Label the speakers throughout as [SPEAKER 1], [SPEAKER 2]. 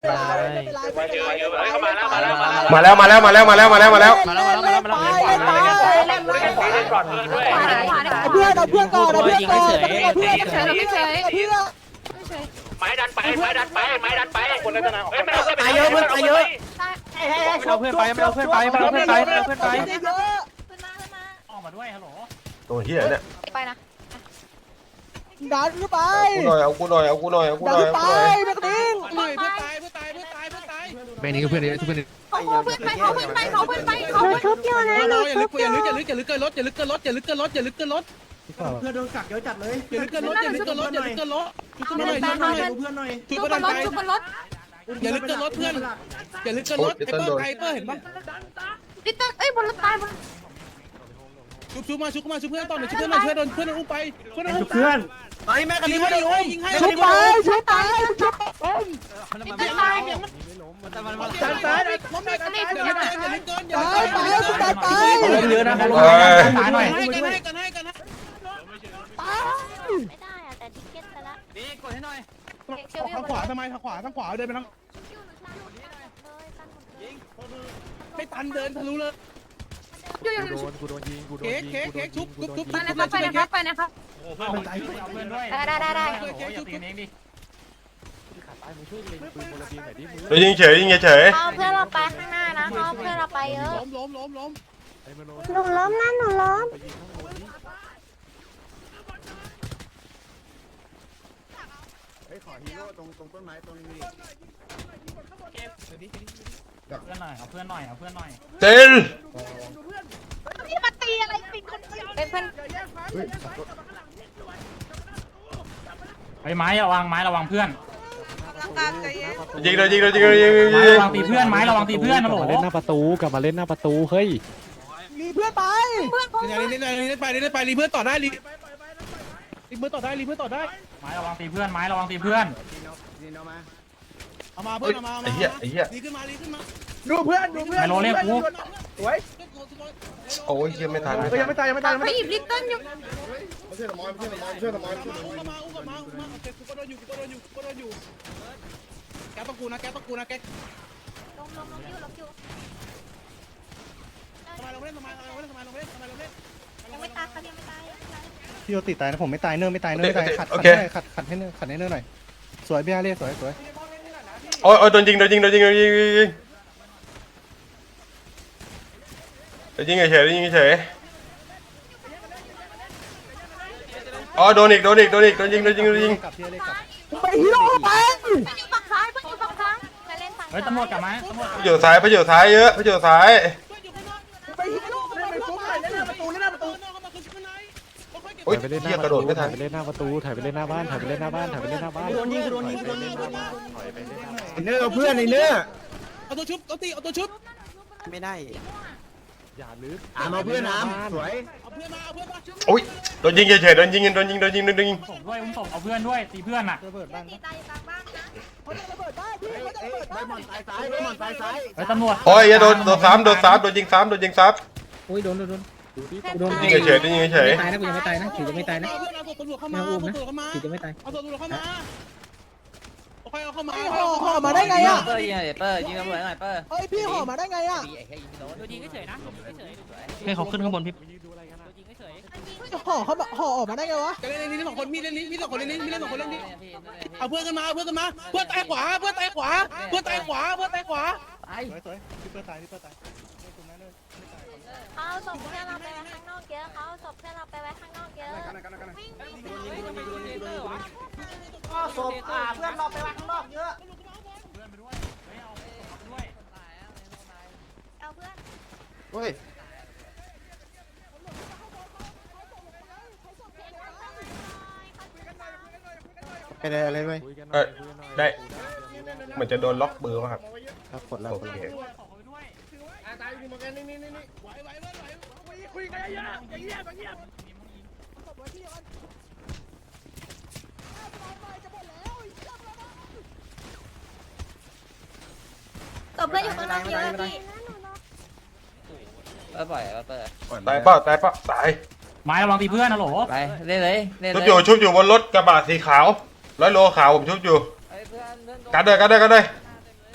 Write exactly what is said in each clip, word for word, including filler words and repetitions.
[SPEAKER 1] มาแล้วมาแล้วมาแล้วมาแล้วมาแล้วมาแล้วมาแล้ว
[SPEAKER 2] มาแล้วมาแล้วมาแล้วมาแล้ว
[SPEAKER 3] เพื่อนเอาเพื่อนก่อนเอาเพื่อนก่อนเอาเพื่อนเฉยเฉยเพื่อน
[SPEAKER 4] ไม้ดันไปไม้ดันไปไม้ดันไปคนละนะไม่เอา
[SPEAKER 2] ตายเยอะเพื่อนตายเยอะ
[SPEAKER 3] ไม่เอาเพื่อนไปไม่เอาเพื่อนไปไม่เอาเพื่อนไปไม่เอาเพื่อนไป
[SPEAKER 2] ออกมาด้วยฮัลโหล
[SPEAKER 1] ตัวเฮียเนี่ย
[SPEAKER 5] ไปนะ
[SPEAKER 3] ดันขึ้นไป
[SPEAKER 1] กูหน่อยเอากูหน่อยเอากูหน่อยเอากูห
[SPEAKER 3] ดัน
[SPEAKER 1] น่อย
[SPEAKER 3] ขึ้น
[SPEAKER 1] เอา
[SPEAKER 3] ไป
[SPEAKER 1] กูหน่อย
[SPEAKER 3] แม่กระดิ่ง
[SPEAKER 5] หน่อยเพื่อนตายเพื่อนตายเพื่อนตายเพื่อนตายเบนนี้ก็เพื่อนนี้เพื่อนเขาเพื่อนไปเขาเพื่อนไปเขาเพื่อนไปเขาเพื่อนชุบเยอะนะหนูชุบเยอะ
[SPEAKER 2] อย่าลึกอย่าลึกอย่าลึกเกินรถอย่าลึกเกินรถอย่าลึกเกินรถอย่าลึกเกินรถ
[SPEAKER 6] เพื่อนโดนกักเยอะจัดเลย
[SPEAKER 2] อย่าลึกเกินรถอย่าลึกเกินรถอย่าลึกเกินรถชุบกันหน่อยชุบกันหน่อย
[SPEAKER 6] เพื่อนหน่อย
[SPEAKER 2] ชุบ
[SPEAKER 5] ชุบ
[SPEAKER 2] กัน
[SPEAKER 5] บ
[SPEAKER 2] ห
[SPEAKER 5] น
[SPEAKER 2] น่อย
[SPEAKER 5] รถชุบบนรถ
[SPEAKER 2] อย่าลึกเกินรถเพื่อนอย่าลึกเกินรถไอ้เปิ้ลไอ้เปิ้ลเห็นปะ
[SPEAKER 5] ดิเตอร์เอ้ยบนรถตายบน
[SPEAKER 2] ชุบชุบมาชุบมาชุบเพื่อนต่อหน่อยชุบเพื่อนหน่อยช่วยโดนเพื่อนอุ้มไปเพื่อนอุ้ม
[SPEAKER 6] เพื่อน
[SPEAKER 2] ไอ้แม่กันดีว่าดีโอ้ยยิงให้
[SPEAKER 3] ชุบไปชุบไปชุบ
[SPEAKER 5] ดิเตอร์ตาย
[SPEAKER 2] ซ้ายซ้ายล้มได้กันอย่าลึกเกินอย่าลึกเกินอย่า
[SPEAKER 3] ไป
[SPEAKER 2] ลึกเกิน
[SPEAKER 3] ไปชุบไปไป
[SPEAKER 2] เยอะนะเขาลง
[SPEAKER 1] เอ้ย
[SPEAKER 2] หน่อยให้กันให้กันให้กัน
[SPEAKER 5] ไม่ได้อะแต่ทิกเก็ตไปละ
[SPEAKER 2] นี่กดให้หน่อย
[SPEAKER 5] เชียว
[SPEAKER 2] ทางขวาทำไมทางขวาทางขวาเดินไปทางไม่ตันเดินทะลุเลย
[SPEAKER 5] อยู่อยู่
[SPEAKER 7] โดนกูโดนยิงกูโดน
[SPEAKER 2] เค้ก
[SPEAKER 7] ยิง
[SPEAKER 2] เค้ก
[SPEAKER 7] กูโด
[SPEAKER 2] เค้
[SPEAKER 7] น
[SPEAKER 2] กชุ
[SPEAKER 7] ยิ
[SPEAKER 2] บ
[SPEAKER 7] งกู
[SPEAKER 2] ชุบ
[SPEAKER 7] โดน
[SPEAKER 2] ชุบ
[SPEAKER 7] ยิง
[SPEAKER 5] ไปนะครับไปนะครับไปนะครับ
[SPEAKER 2] เพื่อนใจเพื่อนด้วย
[SPEAKER 5] ได้ได้ได้
[SPEAKER 2] เค้กชุบ
[SPEAKER 7] ขาตายมึงช่วยเล็งปืนบนระเบียงหน่อยดิมึง
[SPEAKER 1] ตัวยิงเฉยยิงเฉย
[SPEAKER 5] เอาเพื่อนเราไปข้างหน้านะเอาเพื่อนเราไปเยอะ
[SPEAKER 2] ล้มล้มล้มล้ม
[SPEAKER 7] ไอ้มโน
[SPEAKER 5] หนูล้มนะหนูล้ม
[SPEAKER 7] ไปยิงข้างบนดิเฮ้ยขอฮีโร่ตรงตรงต้นไม้ตรงนี้
[SPEAKER 2] เพื่อนหน่อยเอาเพื่อนหน่อยเอาเพื่อนหน่อย
[SPEAKER 1] เจน
[SPEAKER 5] นี่มาตีอะไรปิดคนเดียวเป็นเพื่อน
[SPEAKER 2] ไอ้ไม้ระวังไม้ระวังเพื่อน
[SPEAKER 1] ยิงเลยยิงเลยยิงเลยยิงเลยยิง
[SPEAKER 2] ไม้
[SPEAKER 1] เลย
[SPEAKER 2] ระวังตีเพื่อนไม้ระวังตีเพื่อนนะโหล
[SPEAKER 7] มาเล่นหน้าประตูกลับมาเล่นหน้าประตูเฮ้ย
[SPEAKER 3] มีเพื่อนไป
[SPEAKER 5] เพื่อนผม
[SPEAKER 2] นี่นี่นี่นี่ไปนี่ไปรีเพื่อนต่อได้รีรีเพื่อนต่อได้รีเพื่อนต่อได้ไม้ระวังตีเพื่อนไม้ระวังตีเพื่อนเอามาเพื่อนเอามา
[SPEAKER 1] ไอ้เหี้ยไอ้เหี้ย
[SPEAKER 2] รีขึ้นมารีขึ้นมา
[SPEAKER 6] ดูเพื่อนดูเพื่อน
[SPEAKER 2] ไมโลเรียกกู
[SPEAKER 6] สวย
[SPEAKER 1] โอ้ยเหี้ยไม่ทันไม่
[SPEAKER 6] ยัง
[SPEAKER 1] ทัน
[SPEAKER 6] ไม่ตายยังไม่ตายยัง
[SPEAKER 5] ไป
[SPEAKER 6] ไม่
[SPEAKER 5] หยิบลิตเติ้ลอยู่
[SPEAKER 6] ช่วยหน่อยช่วยหน่อยช่วยหน่อย
[SPEAKER 2] อุ้มมาอุ้มมาอุ้มมาเก็บกูก็โดนอยู่กูก็โดนอยู่กูก็โดนอยู่แกต้องกูนะแกต้องกูนะแก
[SPEAKER 5] ลงลงลงอยู่ลงอยู่
[SPEAKER 2] ทำไมเราเล่นทำไมเราเล่นทำไมเราเล่นทำไมเราเล่น
[SPEAKER 5] ยังไม่ตายครับยังไม่ตาย
[SPEAKER 6] พี่โยติตายนะผมไม่ตายเนื้อไม่ตายเนื้อไม่ตายขัดขัดให้ขัดขัดให้เนื้อขัดให้เนื้อหน่อยสวยพี่อาเล่สวยสวย
[SPEAKER 1] โอ้ยโอ้ยโดนยิงโดนยิงโดนยิงโดนยิงโดนยิงโดนยิงเฉยยิงเฉยอ๋อโดนอีกโดนอีกโดนอีกโดนยิงโดนยิงโดนยิง
[SPEAKER 6] กลับพี่อาเล่กลับ
[SPEAKER 3] ไปฮีโร่ไป
[SPEAKER 5] เพื่อนอยู่ฝั่งซ้ายเพื่อนอยู่ฝั่งซ้ายจะเล่นฝั่ง
[SPEAKER 2] เฮ้ยตำรวจกลับมาตำรวจ
[SPEAKER 1] พระเจ้าซ้ายพระเจ้าซ้ายเยอะพระเจ้าซ้าย
[SPEAKER 3] ไปฮีโร่ไปไปฟุ๊กไปเล่นหน้าประตูเล่นหน้าประตู
[SPEAKER 1] โอ้ย
[SPEAKER 7] ถ่ายไปเล่นห
[SPEAKER 1] เหี้
[SPEAKER 7] น้าย ประ
[SPEAKER 1] กระโด
[SPEAKER 7] ตู
[SPEAKER 1] ดไม่ทั
[SPEAKER 7] ถ่าน ยไปเล่นหน้าประตูถ่ายไปเล่นหน้าบ้านถ่ายไปเล่นหน้าบ้านถ่ายไปเล่นหน้าบ้าน
[SPEAKER 6] โดนยิงโดนยิงโดนยิง
[SPEAKER 7] ถอยไปเล่นหน้าบ้าน
[SPEAKER 6] เนื้อเพื่อนในเนื้อ
[SPEAKER 2] เอาตัวชุบเอาตีเอาตัวชุบ
[SPEAKER 6] ไม่ได้
[SPEAKER 7] อย่าลึก
[SPEAKER 6] อ่ามาเพื่อนน้ำสวย
[SPEAKER 2] เอาเพื่อนมาเอาเพื่อนมา
[SPEAKER 1] โอ้ยโดนยิงเฉยโดนยิงโดนยิงโดนยิงโดนยิง
[SPEAKER 2] ส่งด้วยอุ้มส่งเอาเพื่อนด้วยตีเพื่อนอ่ะ
[SPEAKER 6] ระเบิดบ้าน
[SPEAKER 5] ตีตายกลางบ้านนะ
[SPEAKER 3] เขาจะระเบิดได้พี่เขาจะระเบิดได้
[SPEAKER 6] ตายซ้ายบอลตายซ้าย
[SPEAKER 2] เฮ้ยตำรวจ
[SPEAKER 1] โอ้ยโดนโดนซ้ำโดนซ้ำโดนยิงซ้ำโดนยิงซ้ำ
[SPEAKER 8] โอ้ยโดนโดนโดน
[SPEAKER 7] ดูดิ
[SPEAKER 5] โดน
[SPEAKER 1] ยิงเฉยยิงเฉย
[SPEAKER 8] ไม่ตายนะกูยังไม่ตายนะถือจะไม่ตายนะ
[SPEAKER 2] เอาเพื่อนเอาตำรวจเข้ามาเอาตำรวจเข้ามา
[SPEAKER 8] ถือจะไม่ตาย
[SPEAKER 2] เอาตำรวจเข้ามาเอาใครเอาเข้ามา
[SPEAKER 3] ห่อห่อมาได้ไงอ่ะ
[SPEAKER 8] เปอร์ยิงหน่อยเปอร์ยิงตำรวจหน่อยเปอร์
[SPEAKER 3] เฮ้ยพี่ห่อมาได้ไงอ่ะ
[SPEAKER 8] ให้เขาขึ้นข้างบนพี่
[SPEAKER 7] ดูอะไรกันนะ
[SPEAKER 3] ห่อเขาห่อออกมาได้ไงวะ
[SPEAKER 2] จะเล่นนี้สองคนมีเล่นนี้มีสองคนเล่นนี้มีเล่นสองคนเล่นนี้เอาเพื่อนกันมาเอาเพื่อนกันมาเพื่อนตายขวาเพื่อนตายขวาเพื่อนตายขวาเพื่อนตายขวา
[SPEAKER 6] สวยสวยพี่เพื่อนตายพี่เพื่อนตาย
[SPEAKER 5] เขาศพเพื่อนเราไปไว้ข้างนอกเยอะเขาศพเพื่อนเราไปไว้ข้างนอกเยอะวิ่งวิ่งวิ่ง
[SPEAKER 3] ก็ศพอ่าเพื่อนเราไปวางข้างนอกเยอะ
[SPEAKER 5] เอาเพื่อน
[SPEAKER 6] เฮ้ย เป็นอะไรไหม
[SPEAKER 7] คุยกันห
[SPEAKER 1] เอ
[SPEAKER 7] น่อย
[SPEAKER 1] อ
[SPEAKER 7] คุยกันหน่อย
[SPEAKER 1] ได้เหมือนจะโดนล็อกเบอร์ป่ะครับ
[SPEAKER 6] ครับกดแล้ว
[SPEAKER 1] โอเค
[SPEAKER 2] ตายอยู่เหมือนกันนี่นี่นี่ไหวไหวไหวไหวคุยกันเยอะเงียบเงียบ
[SPEAKER 5] ศพเพื่อนอยู่ข้างนอกเยอะพี่
[SPEAKER 8] เปอร์ปล่อยเปอร์
[SPEAKER 1] ตายเปล่าตายเปล่าตาย
[SPEAKER 2] ไม้ระวังตีเพื่อนนะโหล
[SPEAKER 8] ไปเล่นเลยเล่น
[SPEAKER 1] ชุบ
[SPEAKER 8] เลย
[SPEAKER 1] อยู่ชุบอยู่บนรถกระบะสีขาวร้อยโลขาวผมชุบอยู่
[SPEAKER 8] เพื่อนเพื่อน
[SPEAKER 1] กันด้วยกันด้วยกันด้วย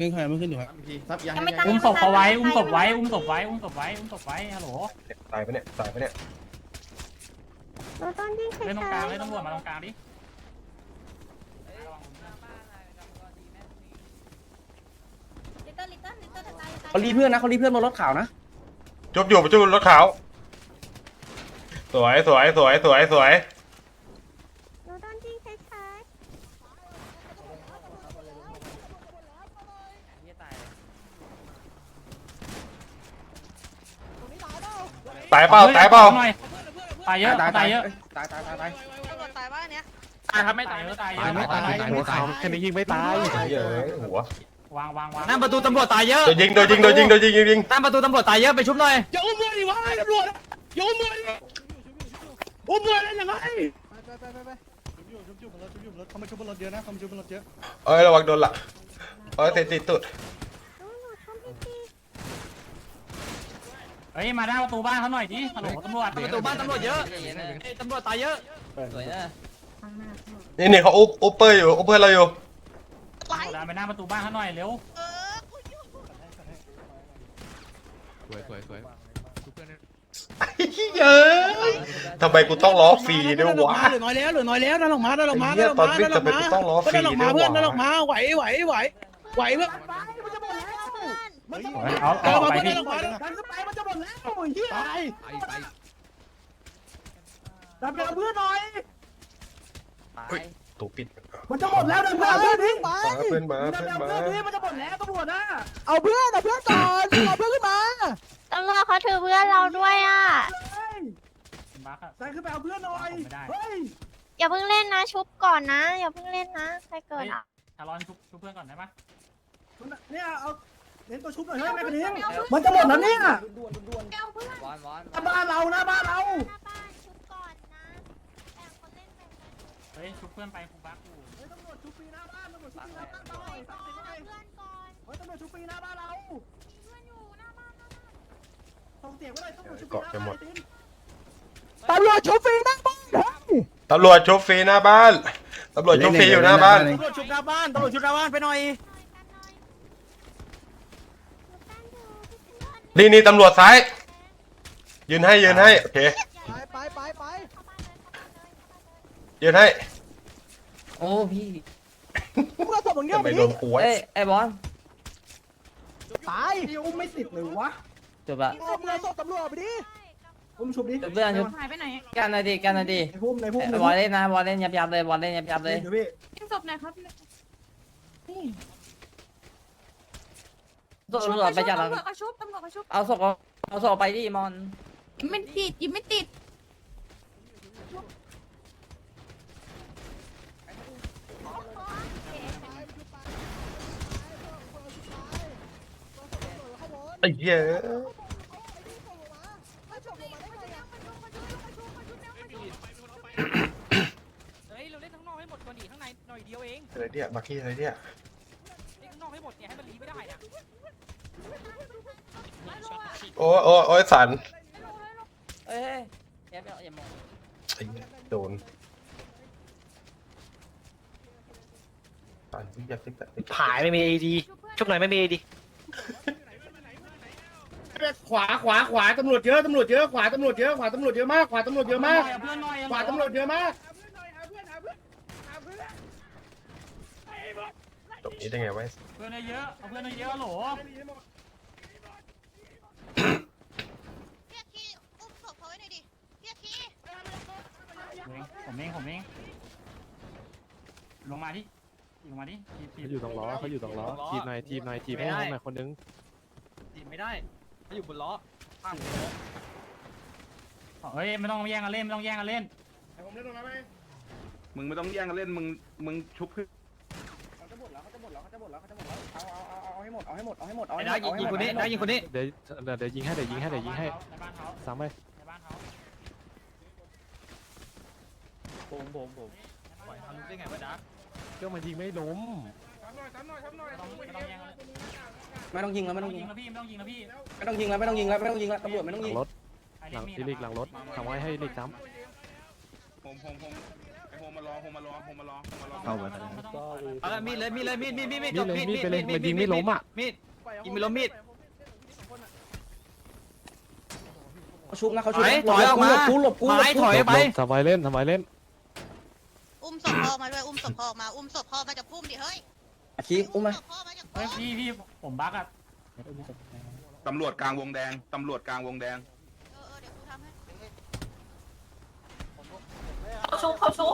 [SPEAKER 2] เล่นใครไม่ขึ้นอยู่ครับ
[SPEAKER 3] อุ้มศพเขาไว้อุ้มศพไว้อุ้มศพไว้อุ้มศพไว้อุ้มศพไว้ฮัลโหล
[SPEAKER 1] ตายปะเนี่ยตายปะเนี่ย
[SPEAKER 3] เล่นตรงกลางเล่นตำรวจมาตรงกลางดิ
[SPEAKER 8] เขารีเพื่อนนะเขารีเพื่อนบนรถขาวนะ
[SPEAKER 1] จุบอยู่จุบรถขาวสวยสวยสวยสวยสวยตายเปล่าตายเปล่า
[SPEAKER 3] ตายเยอะตายเยอะ
[SPEAKER 8] ตายตายตายตาย
[SPEAKER 9] ตายว่าอันเนี้ย
[SPEAKER 3] ตายครับไม่ตายเยอะตายเยอะ
[SPEAKER 5] ไม่ตายหัวขาวแค่นี้ยิงไม่ตาย
[SPEAKER 1] เยอะหัว
[SPEAKER 3] วางวางวาง
[SPEAKER 8] หน้าประตูตำรวจตายเยอะ
[SPEAKER 1] โดนยิงโดนยิงโดนยิงโดนยิงยิงยิง
[SPEAKER 8] หน้าประตูตำรวจตายเยอะไปชุบหน่อย
[SPEAKER 2] อย่าอุ้มมือดิวะตำรวจอย่าอุ้มมือดิอุ้มมือได้ยังไง
[SPEAKER 6] ไปไปไปไปชุบอยู่ชุบอยู่บนรถชุบอยู่บนรถเขามาชุบบนรถเยอะนะเขามาชุบบนรถเยอะ
[SPEAKER 1] เอ้ยระวังโดนหลักเอ้ยติดติดตุด
[SPEAKER 3] เฮ้ยมาหน้าประตูบ้านเขาหน่อยดิฮัลโหลตำรวจ
[SPEAKER 8] ประตูบ้านตำรวจเยอะตำรวจตายเยอะสวยนะ
[SPEAKER 1] นี่นี่เขาอุ๊บอุ๊บเปอร์อยู่อุ๊บเพื่อนเราอยู่
[SPEAKER 3] ดันไปหน้าประตูบ้านเขาหน่อยเร็ว
[SPEAKER 9] เออกูอยู่
[SPEAKER 5] สวยสวยสวย
[SPEAKER 1] เยอะทำไมกูต้องล้อฟรีด้วยวะ
[SPEAKER 2] เหลือน้อยแล้วเหลือน้อยแล้วนั่นออกมานั่นออกมา
[SPEAKER 1] ไอ้เหี้
[SPEAKER 2] นั่
[SPEAKER 1] ย
[SPEAKER 2] นออกมา
[SPEAKER 1] ตอนวิ่งทำไมกูต้องล้อฟรี
[SPEAKER 2] นั่นออกมา
[SPEAKER 1] ด้วยวะ
[SPEAKER 2] เพื่อนนั่นออกมาไหวไหวไหวไหวเพื่อน
[SPEAKER 3] เอา
[SPEAKER 2] เอ
[SPEAKER 3] เอา
[SPEAKER 2] อมา
[SPEAKER 3] ไป
[SPEAKER 2] เพื่อน
[SPEAKER 3] พี่
[SPEAKER 2] นั่นออกมาดันขึ้นไปมันจะหมดแล้วเฮีย
[SPEAKER 6] ตาย
[SPEAKER 5] ไปไป
[SPEAKER 2] ดันไปเอาเพื่อนหน่อย
[SPEAKER 1] ตูปิด
[SPEAKER 2] มันจะหมดแล้วดันไปเอาเพื่อนทิ้งไป
[SPEAKER 1] มาเพื่อนมาเพื่อนมา
[SPEAKER 2] มันจะหมดแล้วตำรวจนะ
[SPEAKER 3] เอาเพื่อนเอาเพื่อนก่อนเอาเพื่อนขึ้นมา
[SPEAKER 9] ตำรวจเขาถือเพื่อนเราด้วยอ่ะ
[SPEAKER 3] บักอะ
[SPEAKER 2] ใส่ขึ้นไปเอาเพื่อนหน่อย
[SPEAKER 3] ไม่ได้
[SPEAKER 2] เฮ้ย
[SPEAKER 9] อย่าเพิ่งเล่นนะชุบก่อนนะ อย่าเพิ่งเล่นนะใครเกิดอ่ะ
[SPEAKER 3] ชาลอนชุบชุบเพื่อนก่อนได้ปะ
[SPEAKER 2] เนี่ยเอาเน้นตัวชุบหน่อยเฮ้ยแม่กระดิ่งมันจะหมดแล้วเนี่ย
[SPEAKER 9] เอาเพื่อน
[SPEAKER 8] วานวาน
[SPEAKER 2] บ้านเรานะบ้านเรา
[SPEAKER 9] หน้าบ้านชุบก่อนนะแบ่งคนเล่นแบ่งกัน
[SPEAKER 3] เฮ้ยชุบเพื่อนไปกูบักอยู่
[SPEAKER 2] ตำรวจชุบปีหน้าบ้านตำรวจชุบปีหน้าบ้านหน่อย
[SPEAKER 9] ก่อนเอาเพื่อนก่อน
[SPEAKER 2] เฮ้ยตำรวจชุบปีหน้าบ้านเรา
[SPEAKER 9] มีเพื่อนอยู่หน้าบ้านหน้าบ้าน
[SPEAKER 2] ส่งเสียงไว้เลยตำรวจชุบปีหน้าบ้าน
[SPEAKER 3] ตำรวจชุบฟรีหน้าบ้าน
[SPEAKER 1] ตำรวจชุบฟรีหน้าบ้านตำรวจชุบฟรีอยู่หน้าบ้าน
[SPEAKER 2] ตำรวจชุบหน้าบ้านตำรวจชุบหน้าบ้านไปหน่อย
[SPEAKER 1] นี่นี่ตำรวจซ้ายยืนให้ยืนให้โอเค
[SPEAKER 3] ไปไปไป
[SPEAKER 1] ยืนให้
[SPEAKER 8] โอ้พี่
[SPEAKER 3] มึงเอาศพมึงเนี่ย
[SPEAKER 1] ทำไมโดนหัว
[SPEAKER 8] เอ้ยไอ้บอล
[SPEAKER 3] ตาย
[SPEAKER 2] นี่อุ้มไม่ติดเลยวะ
[SPEAKER 8] จบละ
[SPEAKER 3] เอามึงเอาศพตำรวจไปดิ
[SPEAKER 2] อุ้มชุบดิ
[SPEAKER 8] จบเพื่อนชุบ
[SPEAKER 9] หายไปไหน
[SPEAKER 8] กันหน่อยดิกันหน่อยดิ
[SPEAKER 2] ในพุ่มในพุ่มใน
[SPEAKER 8] บอลเล่นนะบอลเล่นยับยับเลยบอลเล่นยับยับเลย
[SPEAKER 2] เดี๋ยวพี่
[SPEAKER 9] ยิงศพไหนครับ
[SPEAKER 8] ตำรวจไปจับ
[SPEAKER 9] ตำรวจกระชุบตำรวจกระชุบ
[SPEAKER 8] เอาศพเอาศพไปดิมอน
[SPEAKER 9] ไม่ติดยิงไม่ติด
[SPEAKER 1] ไอ้เหี้ย
[SPEAKER 3] เฮ้ยเราเล่นข้างนอกให้หมดก่อนดิข้างในหน่อยเดียวเอง
[SPEAKER 1] อะไรเนี่ยบักกี้อะไรเนี่ย
[SPEAKER 3] เล่นข้างนอกให้หมดเนี่ยให้มันรีไม่ได้อะ
[SPEAKER 1] โอ้โอ้โอ้ยสัน
[SPEAKER 8] เอ้ยอย่าอย่ามอง
[SPEAKER 1] ไอ้โดนสันอยากติดแต่
[SPEAKER 7] ผายไม่มีเอดีชุบหน่อยไม่มีเอดี
[SPEAKER 2] ขวาขวาขวาตำรวจเยอะตำรวจเยอะขวาตำรวจเยอะขวาตำรวจเยอะมากขวาตำรวจเยอะมาก
[SPEAKER 3] เพื่อนหน่อย
[SPEAKER 2] ขวาตำรวจเยอะมาก
[SPEAKER 1] ตรงนี้ได้ไงวะ
[SPEAKER 3] เพื่อนเยอะเอาเพื่อนเยอะโหล
[SPEAKER 9] พี่อาคีอุ้มศพเขาไว้หน่อยดิพี่อาคี
[SPEAKER 3] ผมเองผมเองลงมาดิลงมาดิ
[SPEAKER 5] เขาอยู่ตรงล้อเขาอยู่ตรงล้อทีมหน่อยทีมหน่อยทีมให้หน่อยคนนึง
[SPEAKER 8] จีบไม่ได้เขาอยู่บนล้อ
[SPEAKER 3] เฮ้ยไม่ต้องแย่งกันเล่นไม่ต้องแย่งกันเล่น
[SPEAKER 2] ผมเล่นตรงนั้นไหม
[SPEAKER 10] มึงไม่ต้องแย่งกันเล่นมึงมึงชุบขึ้น
[SPEAKER 2] เขาจะหมดแล้วเขาจะหมดแล้วเขาจะหมดแล้วเขาจะหมดแล้วเอาเอาเอาเอาให้หมดเอาให้หมดเอาให้หมดเอา
[SPEAKER 8] ไอ้
[SPEAKER 2] ให้หม
[SPEAKER 8] น้า
[SPEAKER 2] ด
[SPEAKER 8] ยิงคนนี้น้ายิงคนนี้
[SPEAKER 5] เดี๋ยวเดี๋ยวยิงให้เดี๋ยวยิงให้เดี๋ยวยิงให้
[SPEAKER 3] ในบ้านเขา
[SPEAKER 5] ซ้ำไป
[SPEAKER 3] ในบ้านเขา
[SPEAKER 8] ผมผมผมปล่อยทำได้ไงวะจ๊ะ
[SPEAKER 5] ก็มันยิงไม่ล้ม
[SPEAKER 3] ไม่ต้องยิงแล้วไม่ต้อง
[SPEAKER 8] ไม่
[SPEAKER 3] ยิ
[SPEAKER 8] ต้อง
[SPEAKER 3] ง
[SPEAKER 8] ยิง
[SPEAKER 3] แล้วพี่ไม่ต้องยิงแล้วพี่
[SPEAKER 8] ไม่ต้องยิงแล้วไม่ต้องยิงแล้วไม่ต้องยิงแล้วตำรวจไม่ต้อง
[SPEAKER 5] หลั
[SPEAKER 8] ยิ
[SPEAKER 5] ง
[SPEAKER 8] ง
[SPEAKER 5] รถหลังที่ลิกหลังรถทำไว้ให้ลิกซ้
[SPEAKER 10] ผมผมผมไอ้โฮมารอโฮมารอโฮมารอโฮมารอ
[SPEAKER 3] เข้าไปไม่ต้องไม่ต้อง
[SPEAKER 8] เอาละมีดเลยมีดเลยมีดมีดมีดมีด
[SPEAKER 5] มีดเลยมีดไปเลยมันยิงไม่ล้มอ่ะ
[SPEAKER 8] มีดยิงไม่ล้มมีด
[SPEAKER 7] ชุบนะเขา
[SPEAKER 8] ถ
[SPEAKER 7] ชุบ
[SPEAKER 8] อยถอยออกมา
[SPEAKER 7] กูหลบกู
[SPEAKER 8] ไม้ถอยไป
[SPEAKER 5] ทำไมเล่นทำไมเล่น
[SPEAKER 9] อุ้มศพพ่อมาด้วยอุ้มศพพ่อมาอุ้มศพพ่อมาจากพุ่มดิเฮ้ย
[SPEAKER 7] อาชีอุ้มมา
[SPEAKER 9] ศพพ่อมาจาก
[SPEAKER 3] เฮ้
[SPEAKER 9] พุ่
[SPEAKER 3] ย
[SPEAKER 9] ม
[SPEAKER 3] พี่พี่ผมบั๊กอ่ะ
[SPEAKER 10] ตำรวจกลางวงแดงตำรวจกลางวงแดง
[SPEAKER 9] เออเออเดี๋ยวกูทำให้
[SPEAKER 11] เขาชุบเขาชุบ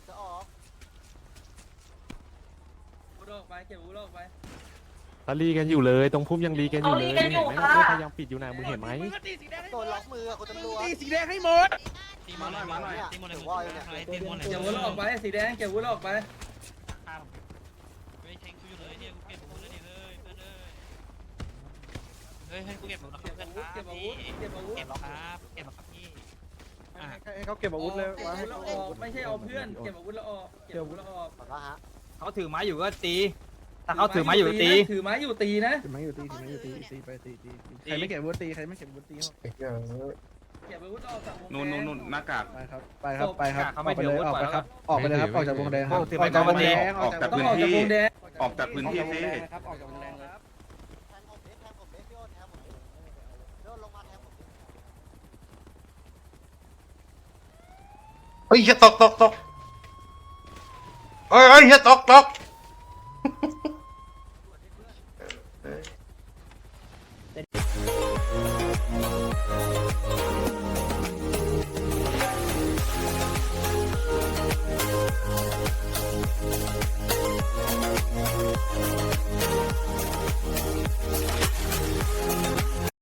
[SPEAKER 8] วุ้ออกไปเก็บวุ้ออกไป
[SPEAKER 5] ตะลีกันอยู่เลยตรงพุ่มยังลีกันอยู่เลยเห็นไหมว่าพยายามปิดอยู่นะมึงเห็นไหม
[SPEAKER 7] โดนล็อกมือคุณตำรวจ
[SPEAKER 2] ตีสีแดงให้หมด
[SPEAKER 7] ตีมาหน่อยมาหน่อยตีมาหน่อยตีมาหน่อย
[SPEAKER 8] เก็บวุ้ออกไปสีแดงเก็บวุ้ออกไป
[SPEAKER 11] ไม่แทงกูอยู่เลยเนี่ยกูเก็บกูเลยเนี่ยเฮ้ยเพื่อนเอ้ยเฮ้ยให้กูเก็บหมดนะครับเพื่อนครับ
[SPEAKER 8] เก็บอาวุธเก็บอาวุธ
[SPEAKER 11] เก็บหรอครับเก็บหรอครับพี่
[SPEAKER 6] ให้เขาเก็บอาวุธเลย
[SPEAKER 8] เก็บอาวุธแล้วออกไม่ใช่เอาเพื่อนเก็บอาวุธแล้วออกเก็บอาวุธแล้วออก
[SPEAKER 7] ขอโทษฮะ
[SPEAKER 8] เขาถือไม้อยู่ก็ตี ถ้าเขาถือไม้อยู่ตีถือไม้อยู่ตีนะ
[SPEAKER 6] ถือไม้อยู่ตีถือไม้อยู่ตีตีไปตีตีใครไม่เก็บอาวุธตีใครไม่เก็บอาวุธตี
[SPEAKER 8] เก็บอาวุธออกจากวง
[SPEAKER 10] นู่นนู่นนู่นหน้ากาก
[SPEAKER 6] ไปครับไปครับไปครับออกไปเลยออกไปครับออกไปเลยครับออกจากวงแดงครับออกจากวงแดง
[SPEAKER 10] ออกจาก
[SPEAKER 8] ต้อง
[SPEAKER 10] พื้น
[SPEAKER 8] ออกจาก
[SPEAKER 10] ที่
[SPEAKER 8] วงแดง
[SPEAKER 10] ออกจากพื้นที่สิ
[SPEAKER 6] ครับออกจากวงแดงเลย
[SPEAKER 1] เฮ้ยเหี้ยตกตกตกเฮ้ยเฮ้ยเหี้ยตกตก